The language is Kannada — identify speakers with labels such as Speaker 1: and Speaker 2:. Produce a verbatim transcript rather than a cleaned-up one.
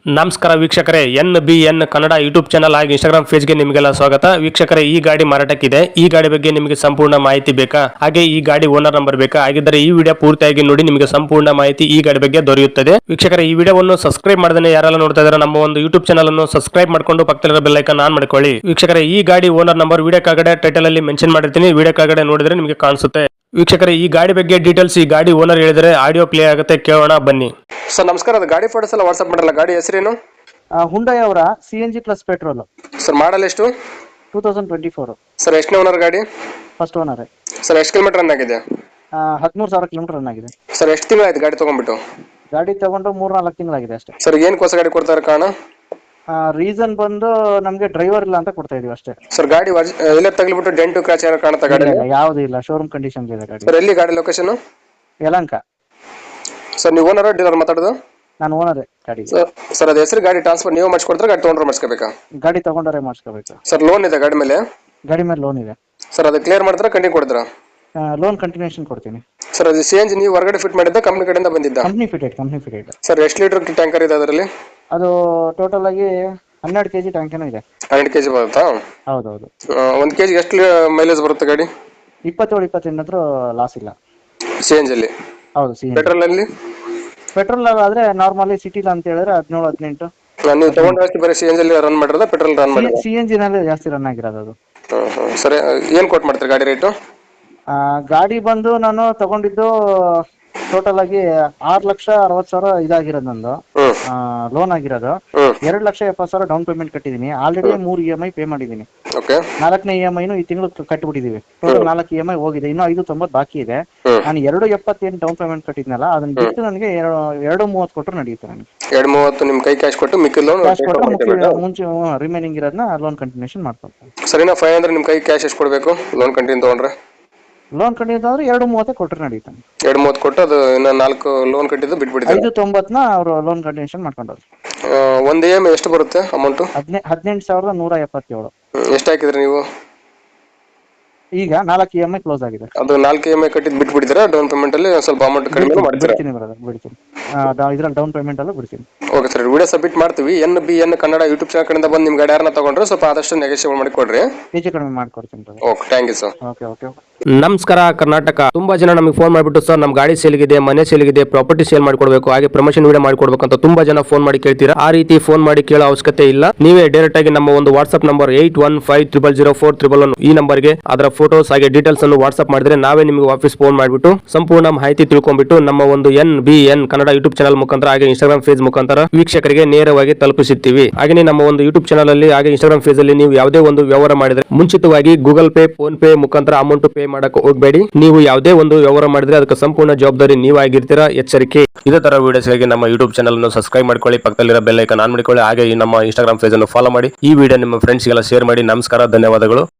Speaker 1: ನಮಸ್ಕಾರ ವೀಕ್ಷಕರೇ, N B N Kannada YouTube channel ಹಾಗೂ ಇನ್ಸ್ಟಾಗ್ರಾಮ್ ಪೇಜ್ಗೆ ನಿಮಗೆಲ್ಲ ಸ್ವಾಗತ. ವೀಕ್ಷಕರೇ, ಈ ಗಾಡಿ ಮಾರಾಟಕ್ಕಿದೆ. ಈ ಗಾಡಿ ಬಗ್ಗೆ ನಿಮಗೆ ಸಂಪೂರ್ಣ ಮಾಹಿತಿ ಬೇಕಾ? ಹಾಗೆ ಈ ಗಾಡಿ ಓನರ್ ನಂಬರ್ ಬೇಕಾ? ಹಾಗಿದ್ದರೆ ಈ ವಿಡಿಯೋ ಪೂರ್ತಿಯಾಗಿ ನೋಡಿ, ನಿಮಗೆ ಸಂಪೂರ್ಣ ಮಾಹಿತಿ ಈ ಗಾಡಿ ಬಗ್ಗೆ ದೊರೆಯುತ್ತದೆ. ವೀಕ್ಷಕರೇ, ಈ ವಿಡಿಯೋವನ್ನು ಸಬ್ಸ್ಕ್ರೈಬ್ ಮಾಡದೇ ಯಾರೆಲ್ಲ ನೋಡ್ತಾ ಇದ್ದಾರೆ ನಮ್ಮ ಒಂದು ಯೂಟ್ಯೂಬ್ ಚಾನಲ್ ಅನ್ನು ಸಬ್ಸ್ಕ್ರೈಬ್ ಮಾಡ್ಕೊಂಡು ಪಕ್ಕದಲ್ಲಿರೋ ಬೆಲ್ ಐಕಾನ್ ಆನ್ ಮಾಡ್ಕೊಳ್ಳಿ. ವೀಕ್ಷಕರೇ, ಈ ಗಾಡಿ ಓನರ್ ನಂಬರ್ ವಿಡಿಯೋ ಕೆಳಗಡೆ ಟೈಟಲ್ ಅಲ್ಲಿ ಮೆನ್ಷನ್ ಮಾಡಿರ್ತೀನಿ, ವಿಡಿಯೋ ಕೆಳಗಡೆ ನೋಡಿದ್ರೆ ನಿಮಗೆ ಕಾಣಿಸುತ್ತೆ. ವೀಕ್ಷಕರೇ, ಈ ಗಾಡಿ ಬಗ್ಗೆ ಡೀಟೇಲ್ಸ್ ಈ ಗಾಡಿ ಓನರ್ ಹೇಳಿದರೆ ಆಡಿಯೋ ಪ್ಲೇ ಆಗುತ್ತೆ, ಕೇಳೋಣ ಬನ್ನಿ.
Speaker 2: ಸರ್ ನಮಸ್ಕಾರ, ಅದು ಗಾಡಿ ಫೋಟೋಸ್ ಎಲ್ಲ ವಾಟ್ಸ್ಆಪ್ ಮಾಡಲ್ಲ. ಗಾಡಿ ಹೆಸರೇನು?
Speaker 3: ಹುಂಡೈ ಅವರ C N G plus petrol.
Speaker 2: Sir model ಎಷ್ಟು?
Speaker 3: Two thousand twenty four.
Speaker 2: Sir ಎಷ್ಟನೇ ಓನರ್ ಗಾಡಿ?
Speaker 3: First owner.
Speaker 2: ಸರ್ ಎಷ್ಟು ಕಿಲೋಮೀಟರ್ ರನ್ ಆಗಿದೆ?
Speaker 3: ಹದಿಮೂರು ಸಾವಿರ ಕಿಲೋಮೀಟರ್ ರನ್ ಆಗಿದೆ.
Speaker 2: ಸರ್ ಎಷ್ಟು ತಿಂಗಳಾಯ್ತು ಗಾಡಿ ತಗೊಂಡ್ಬಿಟ್ಟು?
Speaker 3: ಗಾಡಿ ತಗೊಂಡು ಮೂರ್ ನಾಲ್ಕು ತಿಂಗಳಾಗಿದೆ ಅಷ್ಟೇ.
Speaker 2: ಸರ್ ಏನು ಹೊಸ ಗಾಡಿ ಕೊಡ್ತಾರೆ ಕಾರಣ?
Speaker 3: ರೀಸನ್ ಬಂದು ನಮ್ಗೆ ಡ್ರೈವರ್ ಇಲ್ಲ ಅಂತ ಕೊಡ್ತಾ ಇದೀವಿ ಅಷ್ಟೇ.
Speaker 2: ಸರ್ ಗಾಡಿ ಎಲ್ಲ ತಗ್ಲಿಬಿಟ್ಟು ಡೆಂಟು ಕ್ರಾಚ್ ಏನೋ ಕಾಣುತ್ತಾ ಗಾಡಿ?
Speaker 3: ಯಾವ್ದು ಇಲ್ಲ, ಶೋರೂಮ್ ಕಂಡೀಷನ್ ಇದೆ ಗಾಡಿ.
Speaker 2: ಸರ್ ಎಲ್ಲಿ ಗಾಡಿ ಲೊಕೇಶನ್?
Speaker 3: ಯಲಹಂಕ.
Speaker 2: ಸರ್ ನೀವು ಓನರ್ ಡೀಲರ್ ಮಾತಾಡೋದು?
Speaker 3: ನಾನು ಓನರ್ ಗಾಡಿ.
Speaker 2: ಸರ್ ಅದು ಹೆಸರು ಗಾಡಿ ಟ್ರಾನ್ಸ್ಫರ್ ನೀವು ಮಾಡಿಸ್ಕೊಡ್ತಾರೆ, ಗಾಡಿ ತೊಗೊಂಡ್ರೆ ಮಾಡಿಸ್ಕೋಬೇಕಾ?
Speaker 3: ಗಾಡಿ ತಗೊಂಡರೆ ಮಾಡಿಸ್ಕೋಬೇಕು.
Speaker 2: ಸರ್ ಲೋನ್ ಇದೆ ಗಾಡಿ ಮೇಲೆ?
Speaker 3: ಗಾಡಿ ಮೇಲೆ ಲೋನ್ ಇದೆ.
Speaker 2: ಸರ್ ಅದು ಕ್ಲಿಯರ್ ಮಾಡ್ತಾರೆ, ಕಂಟಿನ್ಯೂ ಕೊಡ್ತೀರಾ?
Speaker 3: ಲೋನ್ ಕಂಟಿನ್ಯೂಷನ್ ಕೊಡ್ತೀನಿ.
Speaker 2: ಸರ್ ಅದು ಸಿ ಎನ್ ಜಿ ನೀವು ಹೊರಗಡೆ ಫಿಟ್ ಮಾಡಿದ್ದ ಕಂಪ್ನಿ ಕಡೆಯಿಂದ ಬಂದಿದ್ದ?
Speaker 3: Company fitted company fitted.
Speaker 2: Sir ಎಷ್ಟು ಲೀಟರ್ ಟ್ಯಾಂಕರ್ ಇದೆ ಅದರಲ್ಲಿ?
Speaker 3: ಅದು ಟೋಟಲ್ ಆಗಿ ಹನ್ನೆರಡು ಕೆಜಿ ಟ್ಯಾಂಕ್ ಏನೋ ಇದೆ.
Speaker 2: ಹನ್ನೆರಡು ಕೆಜಿ ಬರುತ್ತಾ?
Speaker 3: ಹೌದೌದು.
Speaker 2: ಒಂದು ಕೆಜಿ ಎಷ್ಟು ಮೈಲೇಜ್ ಬರುತ್ತೆ ಗಾಡಿ?
Speaker 3: ಇಪ್ಪತ್ತೇಳು ಇಪ್ಪತ್ತೆಂಟು ಹತ್ರ ಲಾಸ್ ಇಲ್ಲ.
Speaker 2: C N G?
Speaker 3: ಹೌದು. ಸಿ
Speaker 2: ಪೆಟ್ರೋಲ್ ಅಲ್ಲಿ?
Speaker 3: ಪೆಟ್ರೋಲ್ ಆದ್ರೆ ನಾರ್ಮಲಿ ಸಿಟಿಲ್ ಅಂತ ಹೇಳಿದ್ರೆ ಹದಿನೇಳು ಹದಿನೆಂಟು.
Speaker 2: ನೀವು ತಗೊಂಡ್ರೆ ಬರೀ ಸಿ ಎನ್ ಜಿ ರನ್ ಮಾಡಿರೋದ ಪೆಟ್ರೋಲ್ ರನ್ ಮಾಡಿರೋದ?
Speaker 3: ಸಿ ಎನ್ ಜಿ ನಲ್ಲಿ ಜಾಸ್ತಿ ರನ್ ಆಗಿರೋದು ಅದು.
Speaker 2: ಸರಿ, ಏನ್ ಕೊಟ್ ಮಾಡ್ತೀರಿ ಗಾಡಿ ರೇಟು?
Speaker 3: ಗಾಡಿ ಬಂದು ನಾನು ತಗೊಂಡಿದ್ದು ಟೋಟಲ್ ಆಗಿ ಆರು ಲಕ್ಷ ಅರವತ್ತು ಸಾವಿರ ಇದಾಗಿರೋದು ನಂದು ಲೋನ್ ಆಗಿರೋದು. ಎರಡು ಲಕ್ಷ ಎಪ್ಪತ್ತು ಸಾವಿರ ಡೌನ್ ಪೇಮೆಂಟ್ ಕಟ್ಟಿದೀನಿ. ಆಲ್ರೆಡಿ ಮೂರು ಇ ಎಂ ಐ ಪೇ ಮಾಡಿದೀನಿ. ನಾಲ್ಕನೇ ಇ ಎಂ ಐನು ಈ ತಿಂಗಳು ಕಟ್ಟಿಬಿಟ್ಟಿದೀವಿ. ಟೋಟಲ್ ನಾಲ್ಕು ಇ ಎಂ ಐ ಹೋಗಿದೆ, ಇನ್ನು ಐದು ತೊಂಬತ್ತು ಬಾಕಿ ಇದೆ. ನಾನು ಎರಡು ಎಪ್ಪತ್ತೇನು ಡೌನ್ ಪೇಮೆಂಟ್ ಕಟ್ಟಿದ್ನಲ್ಲ, ಅದನ್ನ ಬಿಟ್ಟು ನನಗೆ ಎರಡು ಮೂವತ್ತು ಕೊಟ್ಟರು ನಡೆಯುತ್ತೆ. ನನಗೆ ಎರಡು
Speaker 2: ಮೂವತ್ತು ನಿಮ್ ಕೈ ಕ್ಯಾಶ್ ಕೊಟ್ಟು ಮಿಕ್ಕಿ ಲೋನ್
Speaker 3: ಕ್ಯಾಶ್ ಕೊಟ್ಟು ಮುಂಚೆ ರಿಮೈನಿಂಗ್ ಇರೋದನ್ನ ಲೋನ್ ಕಂಟಿನ್ಯೂಷನ್ ಮಾಡ್ಕೊಳ್ತೀನಿ.
Speaker 2: ಸರಿನಾ? ಫೈವ್ ಹಂಡ್ರೆಡ್ ನಿಮ್ ಕೈ ಕ್ಯಾಶ್ ಎಷ್ಟು ಕೊಡಬೇಕು ಲೋನ್ ಕಂಟಿನ್ಯೂ ತಗೊಂಡ್ರೆ?
Speaker 3: ಲೋನ್ ಕಂಟಿನ್ಯೂ ಅಂದ್ರೆ ಎರಡು ಮೂವತ್ತೇ ಕೊಟ್ಟರೆ ನಡೆಯುತ್ತೆ.
Speaker 2: ಎರಡು ಮೂವತ್ತು ಕೊಟ್ಟು ಅದು ಇನ್ನ ನಾಲ್ಕು ಲೋನ್ ಕಟ್ಟಿದ್ದು ಬಿಟ್ಬಿಟ್ಟಿದ್ದಾರೆ.
Speaker 3: ಐದು ತೊಂಬತ್ತನ ಅವರು ಲೋನ್ ಕಂಟಿನ್ಯೂಷನ್ ಮಾಡ್ಕೊಂಡ್ರು.
Speaker 2: ಒಂದ್ ಇ ಎಂ ಐ ಎಷ್ಟು ಬರುತ್ತೆ ಅಮೌಂಟ್?
Speaker 3: ಹದಿನೆ ಹದಿನೆಂಟು ಸಾವಿರದ ನೂರ ಎಪ್ಪತ್ತೇಳು.
Speaker 2: ಎಷ್ಟು ಹಾಕಿದ್ರಿ ನೀವು?
Speaker 3: ಈಗ ನಾಲ್ಕು ಇ ಎಂ ಐ ಕ್ಲೋಸ್ ಆಗಿದೆ.
Speaker 2: ಅದು ನಾಲ್ಕು ಇ ಎಂ ಐ ಕಟ್ಟಿದ್ದು ಬಿಟ್ಬಿಟ್ಟಿದ್ದೀರಾ? ಡೌನ್ ಪೇಮೆಂಟ್ ಅಲ್ಲಿ ಸ್ವಲ್ಪ ಅಮೌಂಟ್ ಕಡಿಮೆ ಮಾಡ್ತೀರಾ?
Speaker 3: ಬಿಡ್ತೀನಿ ಬ್ರದರ್, ಬಿಡ್ತೀನಿ. ಇದ್ರಲ್ಲಿ ಡೌನ್ ಪೇಮೆಂಟ್ ಅಲ್ಲೂ ಬಿಡ್ತೀನಿ.
Speaker 2: ಓಕೆ ಸರ್, ವಿಡಿಯೋ ಸಬ್ಮಿಟ್ ಮಾಡ್ತೀವಿ. N B N Kannada YouTube channel ಕಡೆಯಿಂದ ಬಂದು ನಿಮ್ ಗಾಡಿ ಯಾರನ್ನ ತಗೊಂಡ್ರೆ ಸ್ವಲ್ಪ ಆದಷ್ಟು ನೆಗೋಷಿಯೇಟ್ ಮಾಡಿ ಕೊಡ್ರಿ.
Speaker 3: ಹೆಚ್ಚು ಕಡಿಮೆ ಮಾಡ್ಕೊಡ್ತೀನಿ brother.
Speaker 2: Okay, thank you sir.
Speaker 3: Okay okay.
Speaker 1: ನಮಸ್ಕಾರ ಕರ್ನಾಟಕ. ತುಂಬಾ ಜನ ನಮಗೆ ಫೋನ್ ಮಾಡಿಬಿಟ್ಟು ಸರ್ ನಮ್ಮ ಗಾಡಿ ಸೇಲ್ಗಿದೆ, ಮನೆ ಸೇಲ್ಗಿದೆ, ಪ್ರಾಪರ್ಟಿ ಸೇಲ್ ಮಾಡ್ಕೊಡ್ಬೇಕು, ಹಾಗೆ ಪ್ರಮೋಷನ್ ವಿಡಿಯೋ ಮಾಡ್ಕೊಡ್ಬೇಕು ಅಂತ ತುಂಬಾ ಜನ ಫೋನ್ ಮಾಡಿ ಕೇಳ್ತೀರಾ. ಆ ರೀತಿ ಫೋನ್ ಮಾಡಿ ಕೇಳೋ ಅವಶ್ಯಕತೆ ಇಲ್ಲ. ನೀವೇ ಡೈರೆಕ್ಟ್ ಆಗಿ ನಮ್ಮ ಒಂದು WhatsApp number eight one five triple zero four triple one ಈ ನಂಬರ್ಗೆ ಅದರ ಫೋಟೋಸ್ ಹಾಗೆ ಡೀಟೇಲ್ಸ್ ಅನ್ನು ವಾಟ್ಸ್ಆಪ್ ಮಾಡಿದ್ರೆ ನಾವೇ ನಿಮಗೆ ವಾಪಸ್ ಫೋನ್ ಮಾಡಿಬಿಟ್ಟು ಸಂಪೂರ್ಣ ಮಾಹಿತಿ ತಿಳ್ಕೊಂಡ್ಬಿಟ್ಟು ನಮ್ಮ ಒಂದು N B N Kannada YouTube channel ಮುಖಾಂತರ ಹಾಗೆ ಇನ್ಸ್ಟಾಗ್ರಾಮ್ ಪೇಜ್ ಮುಖಾಂತರ ವೀಕ್ಷಕರಿಗೆ ನೇರವಾಗಿ ತಲುಪಿಸುತ್ತೀವಿ. ಹಾಗೆ ನಮ್ಮ ಒಂದು ಯೂಟ್ಯೂಬ್ ಚಾನಲ್ ಅಲ್ಲಿ ಹಾಗೆ ಇನ್ಸ್ಟಾಗ್ರಾಮ್ ಪೇಜ್ ಅಲ್ಲಿ ನೀವು ಯಾವುದೇ ಒಂದು ವ್ಯವಹಾರ ಮಾಡಿದ್ರೆ ಮುಂಚಿತವಾಗಿ ಗೂಗಲ್ ಪೇ, ಫೋನ್ ಪೇ ಮುಖಾಂತರ ಅಮೌಂಟ್ ಪೇ ಮಾಡಕ್ಕೆ ಹೋಗಬೇಡಿ. ನೀವು ಯಾವುದೇ ಒಂದು ವ್ಯವಹಾರ ಮಾಡಿದ್ರೆ ಅದಕ್ಕೆ ಸಂಪೂರ್ಣ ಜವಾಬ್ದಾರಿ ನೀವಾಗಿರ್ತೀರಾ, ಎಚ್ಚರಿಕೆ. ಇದೇ ತರ ವಿಡಿಯೋಸ್ಗಾಗಿ ನಮ್ಮ ಯೂಟ್ಯೂಬ್ ಚಾನಲ್ ಅನ್ನು ಸಬ್ಸ್ಕ್ರೈಬ್ ಮಾಡ್ಕೊಳ್ಳಿ, ಪಕ್ಕದಲ್ಲಿರೋ ಬೆಲ್ ಐಕಾನ್ ಆನ್ ಮಾಡಿಕೊಳ್ಳಿ, ಹಾಗೆ ಈ ನಮ್ಮ ಇನ್ಸ್ಟಾಗ್ರಾಮ್ ಪೇಜ್ ಅನ್ನು ಫಾಲೋ ಮಾಡಿ. ಈ ವಿಡಿಯೋ ನಿಮ್ಮ ಫ್ರೆಂಡ್ಸ್ಗೆಲ್ಲ ಶೇರ್ ಮಾಡಿ. ನಮಸ್ಕಾರ, ಧನ್ಯವಾದಗಳು.